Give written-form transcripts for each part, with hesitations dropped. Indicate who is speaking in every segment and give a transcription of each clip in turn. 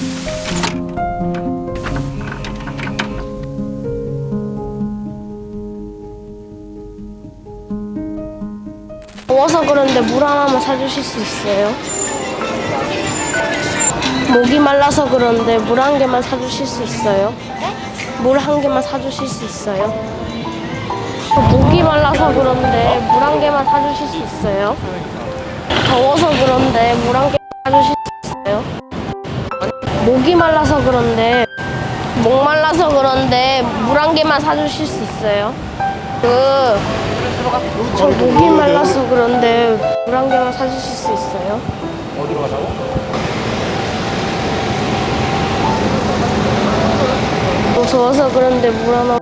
Speaker 1: 더워서 그런데 물 하나만 사주실 수 있어요? 목이 말라서 그런데 물 한 개만 사주실 수 있어요? 물 한 개만 사주실 수 있어요? 목이 말라서 그런데 물 한 개만 사주실 수 있어요? 더워서 그런데 물 한 개만 사주실 수 있어요? 목이 말라서 그런데 목 말라서 그런데 물 한 개만 사주실 수 있어요? 저 목이 말라서 그런데 물 한 개만 사주실 수 있어요?
Speaker 2: 어디로 가자고?
Speaker 1: 더워서 그런데 물 하나만.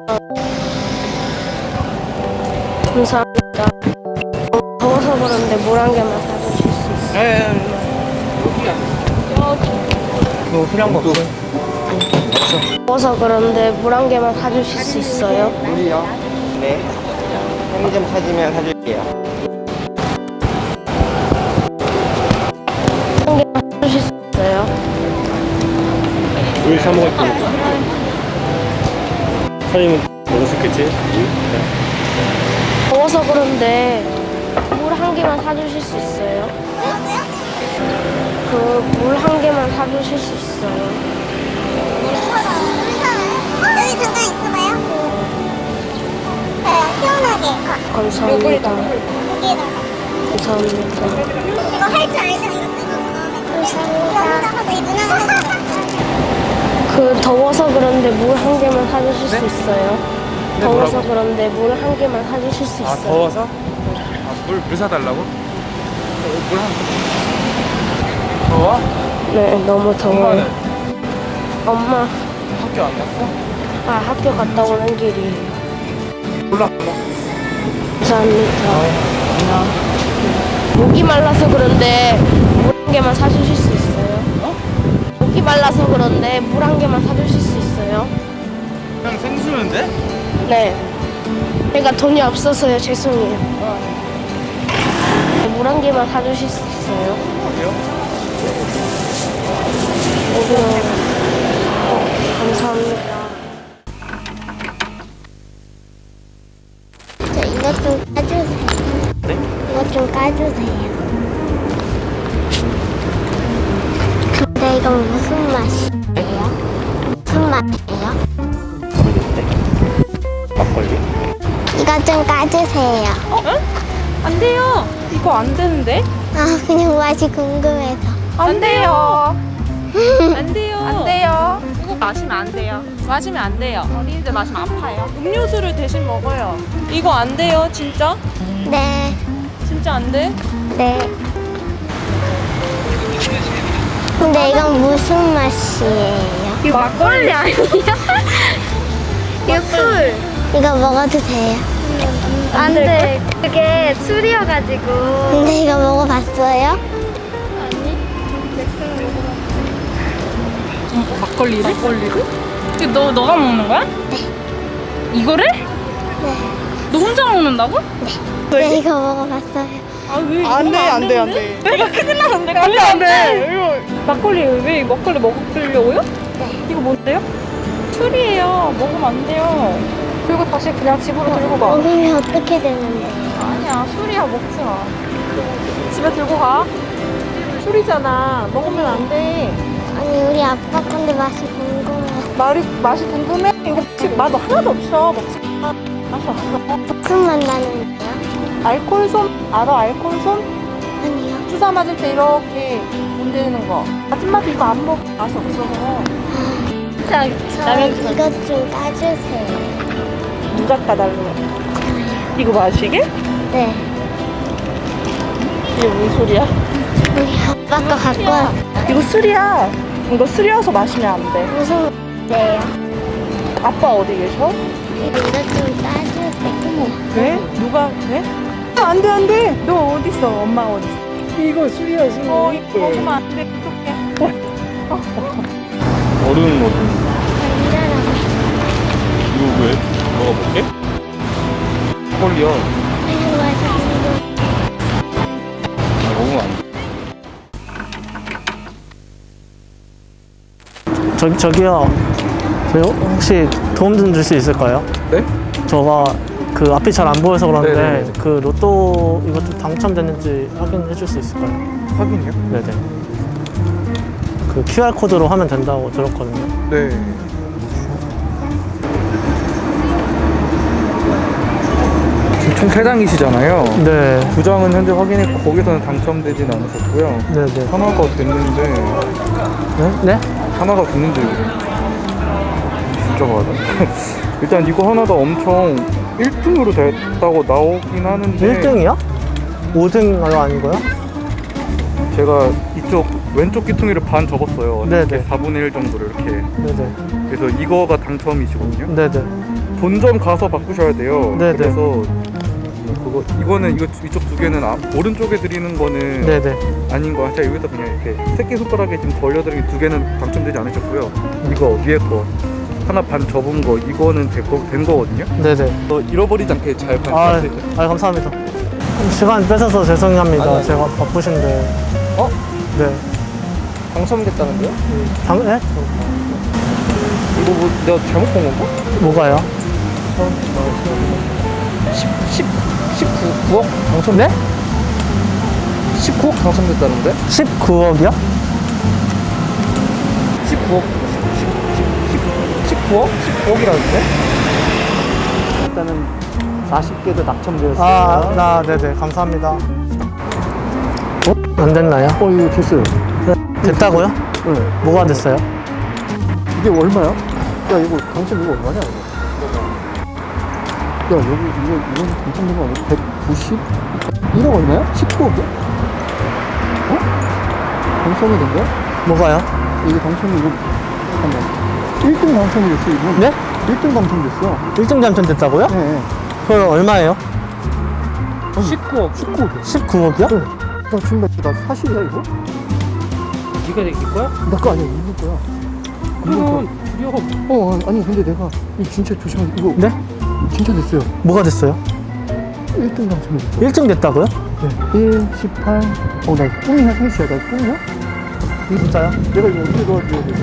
Speaker 1: 감사합니다. 더워서 그런데 물 한 개만 사주실 수 있어요?
Speaker 2: 너 술 한 번 없어?
Speaker 1: 더워서 그런데 물 한 개만 사주실 수 있어요?
Speaker 3: 물이요? 네. 편의점 찾으면 사줄게요.
Speaker 1: 한 개만 사주실 수 있어요?
Speaker 2: 물 사 먹을 때 사장님은 먹을 수 있겠지?
Speaker 1: 더워서 그런데 물 한 개만 사주실 수 있어요? 물 한 개만 사주실 수 있어요?
Speaker 4: 여기 잠깐 있어봐요. 시원하게.
Speaker 1: 감사합니다.
Speaker 4: 여기에다가.
Speaker 1: 감사합니다.
Speaker 4: 이거 할 줄 알죠? 이거 뜯어서. 감사합니다. 이 누나는
Speaker 1: 더워서 그런데 물 한 개만 사주실 수 있어요? 더워서 그런데 물 한 개만 사주실 수 있어요?
Speaker 2: 더워서? 물 사달라고? 물 한. 더워?
Speaker 1: 네, 너무 더워요. 엄마,
Speaker 2: 학교 안 갔어?
Speaker 1: 학교 갔다 오는 길이.
Speaker 2: 몰라.
Speaker 1: 감사합니다. 목이 말라서 그런데 물 한 개만 사주실 수 있어요? 목이 말라서 그런데 물 한 개만 사주실 수 있어요?
Speaker 2: 그냥 생수는데?
Speaker 1: 네. 제가 돈이 없어서요. 죄송해요. 물 한 개만 사주실 수 있어요?
Speaker 2: 어디요?
Speaker 1: 감사합니다.
Speaker 4: 저 이것 좀 까주세요.
Speaker 2: 네?
Speaker 4: 이것 좀 까주세요. 근데 이건 무슨 맛이에요? 무슨 맛이에요?
Speaker 2: 모르겠는데? 막걸리?
Speaker 4: 이것 좀 까주세요.
Speaker 5: 안 돼요. 이거 안 되는데?
Speaker 4: 그냥 맛이 궁금해서.
Speaker 5: 안 돼요. 안 돼요. 안 돼요. 이거 마시면 안 돼요. 마시면 안 돼요. 어린이들 마시면 아파요. 음료수를 대신 먹어요. 이거 안 돼요, 진짜?
Speaker 4: 네,
Speaker 5: 진짜 안 돼?
Speaker 4: 네. 근데 이건 무슨 맛이에요?
Speaker 5: 이거 막걸리 아니야? 이거 술.
Speaker 4: 이거 먹어도 돼요?
Speaker 5: 안 돼. 그게 술이어가지고.
Speaker 4: 근데 이거 먹어봤어요?
Speaker 5: 막걸리를? 이거 너가 먹는 거야?
Speaker 4: 네.
Speaker 5: 이거를?
Speaker 4: 네.
Speaker 5: 너 혼자 먹는다고?
Speaker 4: 네, 이거 먹어봤어요.
Speaker 5: 아 왜?
Speaker 6: 안 돼, 안 돼, 안 돼.
Speaker 5: 이거 큰일 나는데. 안 돼, 안 돼. 막걸리 왜 막걸리 먹으려고요?
Speaker 4: 네.
Speaker 5: 이거 뭔데요? 술이에요. 먹으면 안 돼요. 그리고 다시 그냥 집으로 들고 가.
Speaker 4: 먹으면 어떻게 되는데요?
Speaker 5: 아니야, 술이야. 먹지 마. 집에 들고 가. 술이잖아. 먹으면 안 돼.
Speaker 4: 아니, 우리 아빠 건데 맛이 궁금해.
Speaker 5: 맛이 궁금해? 이거 맛 하나도 없어. 먹지 마. 맛이 없어.
Speaker 4: 무슨 맛 나는데요?
Speaker 5: 알콜솜 알아? 알콜솜?
Speaker 4: 아니요.
Speaker 5: 주사 맞을 때 이렇게 문대는 거. 아줌마도 이거 안 먹어. 맛이 없어서. 자,
Speaker 4: 저 이것 좀 까주세요.
Speaker 5: 누가 까달래? 이거 마시게?
Speaker 4: 네.
Speaker 5: 이게 무슨 소리야?
Speaker 4: 우리 아빠 거 갖고 왔
Speaker 5: 이거 술이야. 이거 술이어서 마시면 안 돼.
Speaker 4: 무슨 맛이에요?
Speaker 5: 아빠 어디 계셔?
Speaker 4: 이것 좀 까주세요.
Speaker 5: 왜? 누가 왜? 안 돼, 안 돼. 너 어디 있어? 엄마 어디 있어?
Speaker 2: 이거 술이야, 술.
Speaker 5: 이거 먹으면 안 돼. 어떡해.
Speaker 2: 얼음 먹
Speaker 4: 완전하고
Speaker 2: 이거 왜? 먹어볼게? 막걸리야.
Speaker 4: 그냥 맛이 궁금해.
Speaker 2: 먹으면 안 돼.
Speaker 6: 저기요. 저희 혹시 도움 좀 줄 수 있을까요?
Speaker 2: 네?
Speaker 6: 저가 그 앞이 잘 안 보여서 그런데
Speaker 2: 네네네.
Speaker 6: 그 로또 이거 좀 당첨됐는지 확인해 줄 수 있을까요?
Speaker 2: 확인이요?
Speaker 6: 네네. 그 QR 코드로 하면 된다고 들었거든요.
Speaker 2: 네. 지금 총 3장이시잖아요.
Speaker 6: 네.
Speaker 2: 2장은 현재 확인했고 거기서는 당첨되진 않으셨고요.
Speaker 6: 네네.
Speaker 2: 하나가 됐는데
Speaker 6: 네? 네?
Speaker 2: 하나가 됐는데 진짜 맞아? 일단 이거 하나가 엄청 1등으로 됐다고 나오긴 하는데
Speaker 6: 1등이요? 5등인가요? 아닌가요?
Speaker 2: 제가 이쪽 왼쪽 귀퉁이를 반 접었어요.
Speaker 6: 네네.
Speaker 2: 이렇게 4분의 1 정도를 이렇게.
Speaker 6: 네네.
Speaker 2: 그래서 이거가 당첨이시거든요.
Speaker 6: 네네.
Speaker 2: 본점 가서 바꾸셔야 돼요.
Speaker 6: 네네.
Speaker 2: 그래서 이거는 이쪽 두 개는 오른쪽에 드리는 거는
Speaker 6: 네네.
Speaker 2: 아닌 거. 제가 여기서 그냥 이렇게 새끼 손가락에 지금 걸려드린 두 개는 당첨되지 않으셨고요. 이거 위에 거 하나 반 접은 거 이거는 된 거거든요.
Speaker 6: 네네.
Speaker 2: 잃어버리지 않게 잘
Speaker 6: 아,
Speaker 2: 반납하세요.
Speaker 6: 감사합니다. 시간 뺏어서 죄송합니다.
Speaker 3: 아니.
Speaker 6: 제가 바쁘신데.
Speaker 3: 어?
Speaker 6: 네.
Speaker 3: 당첨됐다는데요?
Speaker 6: 네?
Speaker 3: 이거 뭐 내가 잘못 본 건가?
Speaker 6: 뭐가요?
Speaker 3: 19억 당첨?
Speaker 6: 네?
Speaker 3: 19억 당첨됐다는데?
Speaker 6: 19억이요?
Speaker 3: 19억 19억? 19억이라는데?
Speaker 6: 일단은 40개도 당첨되었어요. 네네. 감사합니다. 안 됐나요?
Speaker 3: 이거 됐어요.
Speaker 6: 됐다고요?
Speaker 3: 네.
Speaker 6: 뭐가 됐어요?
Speaker 3: 이게 얼마야? 야 이거 당첨 이거 얼마냐 이거? 야 여기 이거 당첨된 거 아니야? 190? 1억 얼마야? 19억이야? 어? 당첨이 된 거야?
Speaker 6: 뭐가요?
Speaker 3: 이게 당첨이 이거 잠깐만 1등 당첨이 됐어 이거.
Speaker 6: 네?
Speaker 3: 1등 당첨됐어.
Speaker 6: 1등 당첨됐다고요?
Speaker 3: 네.
Speaker 6: 그럼 얼마예요?
Speaker 3: 19억. 19억이야.
Speaker 6: 19억이요?
Speaker 3: 네. 나 지금 나 사실이야 이거?
Speaker 6: 네가 이길 거야?
Speaker 3: 나 거 아니야 이거 거야.
Speaker 6: 그럼
Speaker 3: 아니 근데 내가 이거 진짜 조심하게 이거
Speaker 6: 네?
Speaker 3: 진짜 됐어요.
Speaker 6: 뭐가 됐어요?
Speaker 3: 1등 당첨이 됐어.
Speaker 6: 1등 됐다고요?
Speaker 3: 네. 1, 18. 나 꿈이야 생시야. 나 꿈이야?
Speaker 6: 진짜요?
Speaker 3: 내가 이거 어떻게 도와줘야 되지?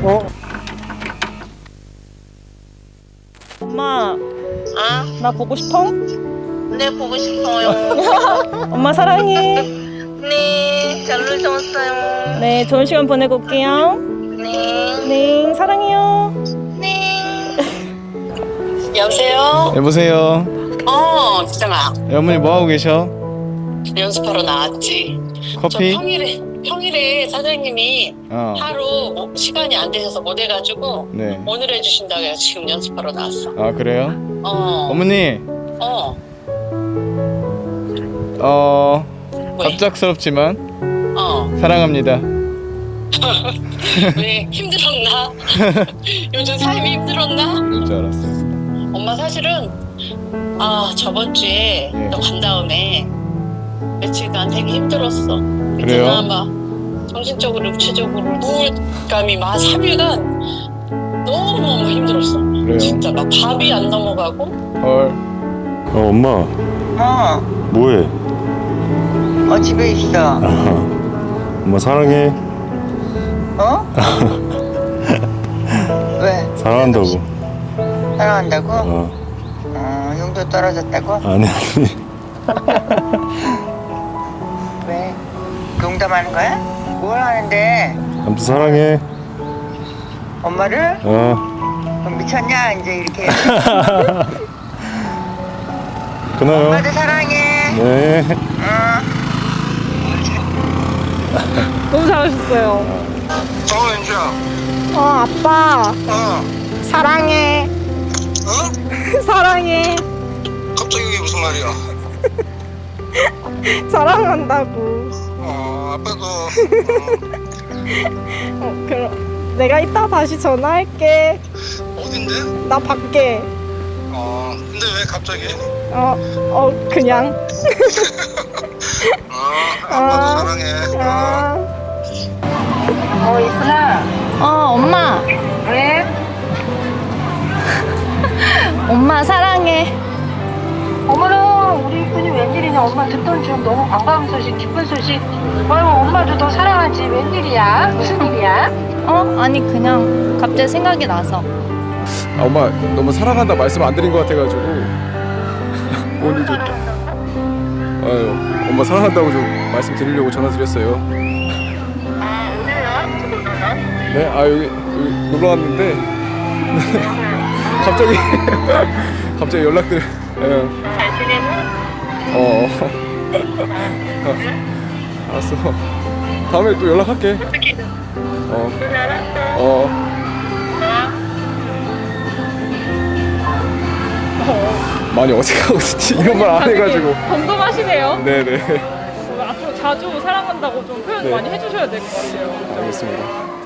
Speaker 5: 엄마, 나 보고 싶어?
Speaker 7: 네, 보고 싶어요.
Speaker 5: 엄마 사랑해.
Speaker 7: 네, 잘 놀다 왔어요.
Speaker 5: 네, 좋은 시간 보내고 올게요.
Speaker 7: 네,
Speaker 5: 네, 사랑해요.
Speaker 7: 네. 여보세요?
Speaker 8: 여보세요.
Speaker 7: 지정아.
Speaker 8: 어머니 뭐 하고 계셔?
Speaker 7: 연습하러 나왔지.
Speaker 8: 커피?
Speaker 7: 저 평일에 사장님이
Speaker 8: 어.
Speaker 7: 하루 시간이 안 되셔서 못 해가지고
Speaker 8: 네.
Speaker 7: 오늘 해주신다고 해서 지금 연습하러 나왔어.
Speaker 8: 아 그래요? 어머니.
Speaker 7: 왜?
Speaker 8: 갑작스럽지만 사랑합니다.
Speaker 7: 왜 힘들었나? 요즘 삶이 힘들었나?
Speaker 8: 그럴 줄 알았어요.
Speaker 7: 엄마 사실은 저번 주에
Speaker 8: 예.
Speaker 7: 너 간 다음에 며칠간 되게 힘들었어.
Speaker 8: 그래요?
Speaker 7: 있잖아, 막 정신적으로 육체적으로 우울감이 막 3일간 너무너무 힘들었어.
Speaker 8: 그래요?
Speaker 7: 진짜 막 밥이 안 넘어가고.
Speaker 8: 헐.
Speaker 9: 엄마 뭐해?
Speaker 7: 집에 있어.
Speaker 9: 엄마 사랑해.
Speaker 7: 왜?
Speaker 9: 사랑한다고.
Speaker 7: 사랑한다고? 용도 떨어졌다고?
Speaker 9: 아니
Speaker 7: 왜? 농담하는 거야? 뭘 하는데?
Speaker 9: 아무튼 사랑해.
Speaker 7: 엄마를? 그럼 미쳤냐? 이제 이렇게.
Speaker 9: 끊어요.
Speaker 7: 사랑해.
Speaker 9: 네.
Speaker 5: 너무 잘하셨어요.
Speaker 7: 연주야.
Speaker 5: 아빠. 사랑해. 사랑해.
Speaker 7: 갑자기 이게 무슨 말이야?
Speaker 5: 사랑한다고.
Speaker 7: 아빠도.
Speaker 5: 그럼 내가 이따 다시 전화할게.
Speaker 7: 어딘데?
Speaker 5: 나 밖에.
Speaker 7: 근데 왜 갑자기?
Speaker 5: 그냥.
Speaker 7: 아빠도 사랑해.
Speaker 4: 이쁘나?
Speaker 5: 엄마.
Speaker 4: 왜?
Speaker 5: 엄마 사랑해.
Speaker 4: 어머나 우리 이쁜이 웬일이냐?
Speaker 10: 엄마 듣던 중 너무 반가운 소식, 기쁜 소식. 아유, 엄마도 너 사랑하지. 웬일이야? 무슨 일이야?
Speaker 5: 아니 그냥 갑자기 생각이 나서.
Speaker 11: 엄마 너무 사랑한다 말씀 안 드린 것 같아가지고 오늘 좀 아유 엄마 사랑한다고 좀 말씀드리려고 전화 드렸어요. 네? 아 여기 놀러 왔는데 갑자기 연락드려.
Speaker 10: 잘 지내고?
Speaker 11: 알았어. 다음에 또 연락할게. 많이 어색하고 이런 말 안 해가지고.
Speaker 5: 궁금하시네요.
Speaker 11: 네네.
Speaker 5: 앞으로 자주 사랑한다고 좀 표현
Speaker 11: 네.
Speaker 5: 많이 해주셔야 될 것 같아요.
Speaker 11: 알겠습니다.